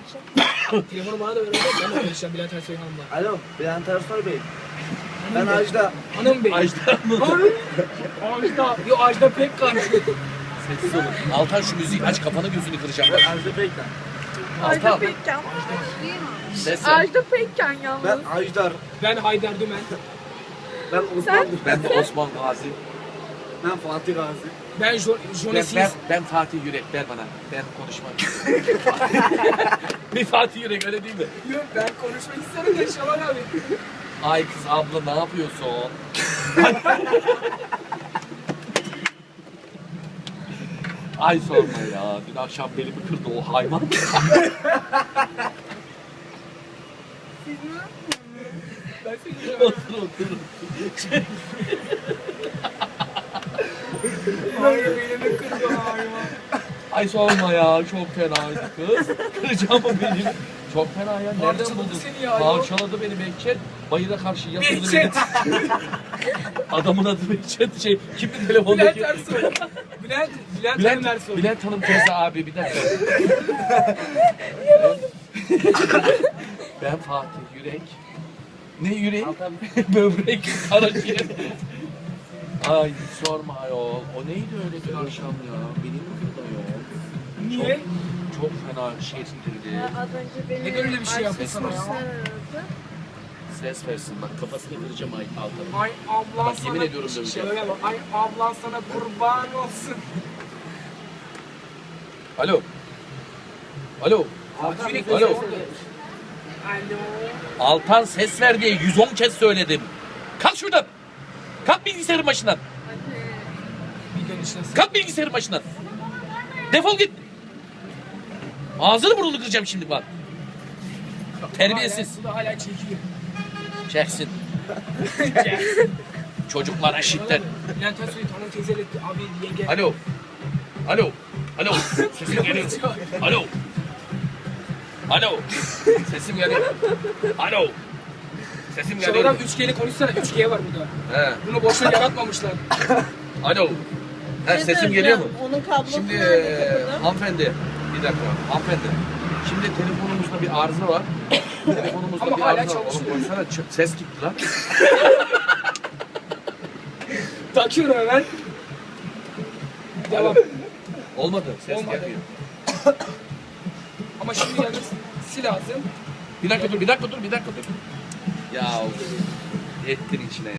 Telefonu bana da ver oğlum. Ben de konuşacağım Bülent Ersoy Hanım'la. Alo, Bülent Ersoy Bey. Ben Ajda. Hanım Bey. Ajda mı? Ajda. Yo Ajda Pekkan. Sessiz olun. Altan şu müziği aç, kafanı gözünü kıracağım. Ben Ajda Pekkan. Ajda Altan. Pekkan. Ses ver. Ajda Pekkan yalnız. Ben Ajdar. Ben Haydar Dümen. Ben Osman. Ben de Osman Gazi. Ben Fatih Gazi. Ben Jonesis. Ben Fatih Yürek, ver bana. Ben konuşmak istiyorum. Bir Fatih Yürek, öyle değil mi? Yok ben konuşmak istiyorum da Şaban abi. Ay kız abla ne yapıyorsun? Ay sorma ya. Dün akşam belimi kırdı o hayvan. Ben seni Otur. Hayır belimi kırdı hayvan. Ay sorma ya. Çok fenaydı kız. Kıracağım o belimi. Çok fena ya. Nereden Parçaladı buldun? seni ya. Parçaladı beni Behçet. Bayıra karşı yatırdı beni. Behçet. Adamın adı Behçet. Kimdi Bülent telefondaki? Ersoy. Bülent Hanım Ersoy. Bülent Hanım teyze abi bir dakika. Ben Fatih Yürek. Ne yürek? Böbrek, karaciğer. Ay sorma ayol. O neydi öyle bir akşam ya? Benim mi kırdı ayol? Niye? Çok fena şey sindirdi. Az önce beni Neden öyle bir şey yaptın sana ya? arkadaşlar aradı. Ses versin bak, kafasını kıracağım ay Altan'ın. Ay ablan Bak, sana... yemin ediyorum döveceğim. Şöyle bak. Ay ablan sana kurban olsun. Alo. Alo. Fatih Alo. Alo. Altan ses ver diye 110 kez söyledim. Kalk şuradan. Kalk bilgisayarın başından. Bir dön işte. Kalk bilgisayarın başından. Defol git. Ağzını burnunu kıracağım şimdi bak. Terbiyesiz. Bu da hala çekiyor. Çeksin. Çocuklara şiddet. Bülent Ersoy'u tanım teyzeyle abi yenge. Alo. Alo. Alo. Sesim geliyor. Alo. Alo. Sesim geliyor. Alo. Sesim Şaban geliyor. abi 3G'li konuşsana. 3G var burada. He. Bunu boşuna yaratmamışlar. Alo. He, Ne sesim geliyor mu? söyleyeceğim? Onun kablosu Şimdi nerede kapıda? hanımefendi, bir dakika hanımefendi. Şimdi telefonumuzda bir arıza var. Telefonumuzda Ama bir hala arıza var. Oğlum çalışıyor. koysana, ses gitti lan. Takıyorum hemen. Devam. Olmadı, ses Olmadı. gelmiyor. Ama şimdi yalnız sil lazım. Bir dakika dur. Ya ettin içine.